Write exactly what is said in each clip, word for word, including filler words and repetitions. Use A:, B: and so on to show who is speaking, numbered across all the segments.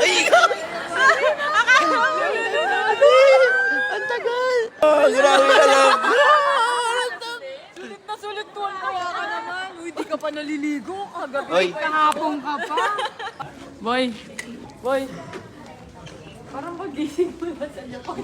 A: Ay, ikaw! Ang tagal! Oh, grabe ka lang!
B: Sulit na sulit tuwan kaya ka naman. Uy, di ka pa naliligo. Kagabi,
A: Oy.
B: kahapon ka pa. Boy, boy. Parang pagising mo na sa Japan.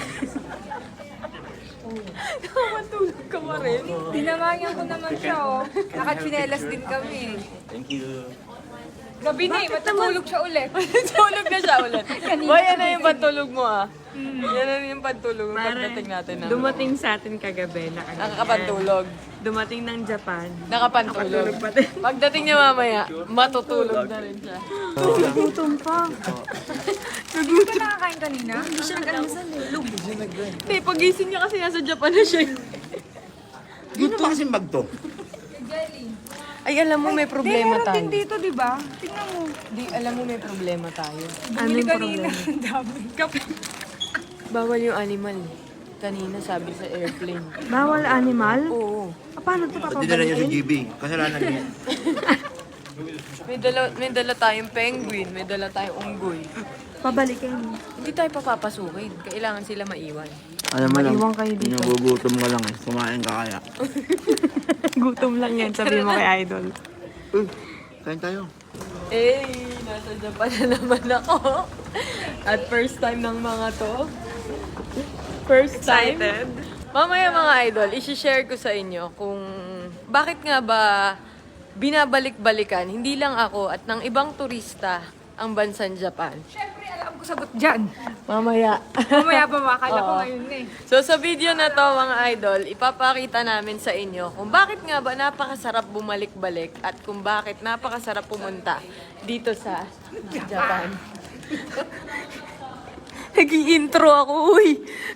B: Nakatulog ka pa rin.
C: Tinamangyan ko naman siya, oh. Nakachinelas din kami.
A: Thank you.
C: Gabi na eh, matutulog siya ulit.
B: Tulog na siya ulit. Boy, yan na yung pantulog mo ah. Yan na yung pantulog mo pagdating natin na.
D: Dumating sa atin kagabi, nakaganyan.
B: Nakakapantulog.
D: Dumating ng Japan.
B: Nakapantulog. Pagdating niya mamaya, matutulog na rin siya.
D: Gutom pa.
C: Hindi ka nakakain kanina? Hindi siya nag-almasal eh.
B: Hindi, pagising niya kasi nasa Japan na siya.
A: Dito ba kasing bag to?
C: Jelly.
B: Ay, alam mo may problema
C: Meron
B: tayo.
C: din dito, di ba? Tingnan mo.
B: Di, alam mo may problema tayo.
D: Ano
C: Bumili
D: yung
C: kanina.
D: problema?
C: Ang dami. Kape.
B: Bawal yung animal. Kanina sabi sa airplane.
D: Bawal animal?
B: Oo.
D: Ah, paano ito
A: Pati na niya sa
D: papabalikin?
A: G B. Kasalanan niya.
B: May dala, may dala tayong penguin, may dala tayong unggoy.
D: Pabalikin.
B: Hindi tayo papapasukin. Kailangan sila maiwan.
A: Alam mo lang,
D: Maiwan kayo dito.
A: nagugutom ka lang eh. Kumain ka kaya.
D: Gutom lang yan, sabi mo kay Idol.
A: Uy, kain tayo.
B: Eh, nasa Japan na naman ako. At first time ng mga to. First time.
D: Excited?
B: Mamaya mga idol, isi-share ko sa inyo kung bakit nga ba binabalik-balikan, hindi lang ako at ng ibang turista ang bansang Japan.
C: Siyempre, alam ko sagot dyan.
B: Mamaya.
C: Mamaya pa makala ko
B: Oo.
C: ngayon eh.
B: So sa video na to mga idol, ipapakita namin sa inyo kung bakit nga ba napakasarap bumalik-balik at kung bakit napakasarap pumunta dito sa Japan. Nag-i-intro ako, uy!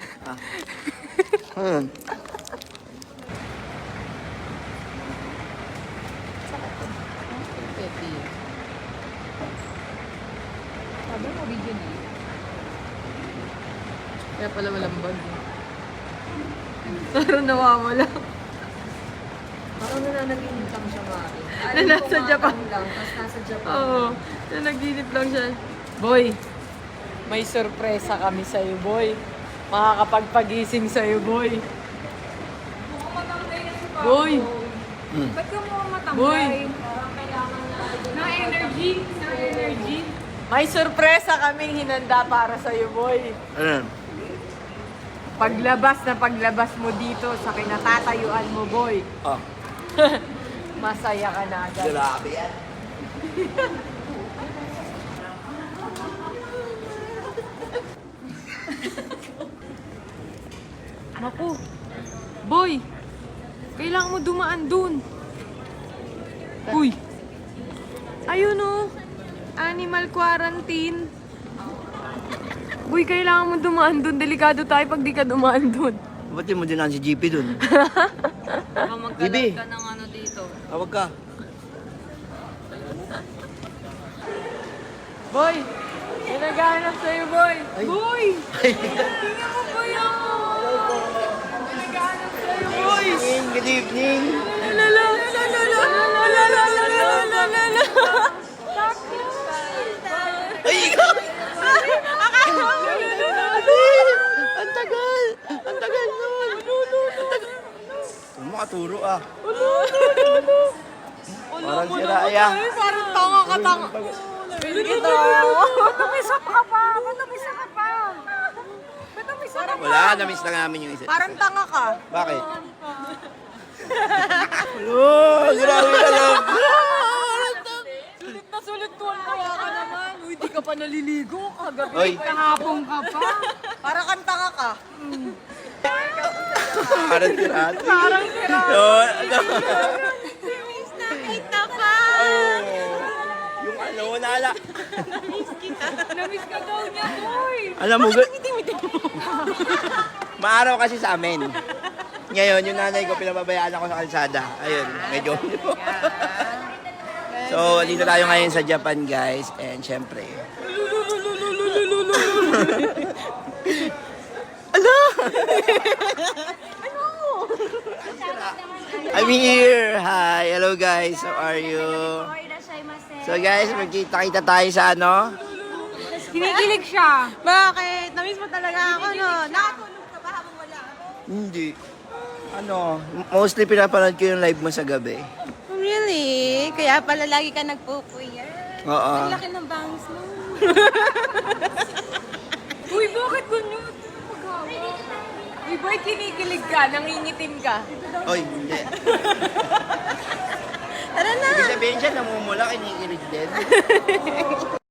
A: Ayun.
C: Sabi mo, video na.
B: Kaya pala walang bag. Parang nawawala. Parang nananaginip lang siya, Mari. Na nasa Japan.
C: Lang, tapos nasa Japan.
B: Oo, nanaginip lang siya. Boy, may sorpresa kami sa'yo, boy. Makakapagpagising sa'yo, boy.
C: Mukhang matangay na si Papa.
B: Boy!
C: Ba't ka mukhang matangay?
B: Boy!
C: Parang kailangan na na energy. Na energy.
B: May sorpresa kaming hinanda para sa'yo, boy.
A: Ayun.
B: Paglabas na paglabas mo dito sa kinatatayuan mo, boy.
A: Oh,
B: Masaya ka na agad.
A: grabe yan.
B: Naku, boy, kailangan mo dumaan dun. Uy, ayun o, animal quarantine. Uy, kailangan mo dumaan dun. Delikado tayo pag di ka dumaan dun.
A: Ba't di mo dinaan si G P dun?
B: Baka
A: Bibi.
B: magkalat ka ng ano dito.
A: Tawag ka.
B: Boy, may naghahanap sa'yo, boy. Boy! Tingnan mo, boy, ako. May naghahanap sa'yo, boy.
A: Good evening.
B: Lala, lala, lala, lala, lala, lala, lala.
A: Ay, ikaw! Ang tagal! Ang tagal nun! Ang tagal. Huwag mo katuro ah. Parang si Raya.
B: Ay, parang tanga ka, tanga. Kita.
C: Tumisap ka pa. Ba't tumisap ka pa? Ba't tumisap ka pa?
A: Wala, na-miss lang namin yung isa.
B: Parang tanga ka.
A: Bakit? Oh, grabe ka lang.
B: Sulit na sulit tuwan kaya ka naman. Uy, di ka pa naliligo. Kagabi,
A: Oy.
B: kahapon ka pa. Parang kang tanga ka.
A: Parang tirado.
B: Parang sira.
A: Oh, ano?
B: Nakita pa.
A: Oh. Yung ano, nala.
C: Namiss ka daw niya, boy.
A: Alam mo, gu- maaraw kasi sa amin. Ngayon, yung nanay ko, pinababayaan ako sa kalsada. Ayun, medyo. So, dito tayo ngayon sa Japan, guys. And syempre. Ano? I'm here. Hi. Hello, guys. How are you? So, guys, magkita-kita tayo sa ano?
C: Kinikilig siya.
D: Bakit? Namiss mo talaga ako, no? Nakatulog ka ba habang wala ako?
A: Hindi. Ano, mostly pinapanood ko yung live mo sa gabi.
D: Really? Kaya pala lagi ka nagpupuyat.
A: Oo.
D: Ang laki ng bangs mo.
B: Uy, bakit ganyan? Magawa. Uy, boy, kinikilig ka, nangingitim ka.
A: Oy, hindi.
D: Tara na!
A: Ibig sabihin siya, namumula, kinikilig din.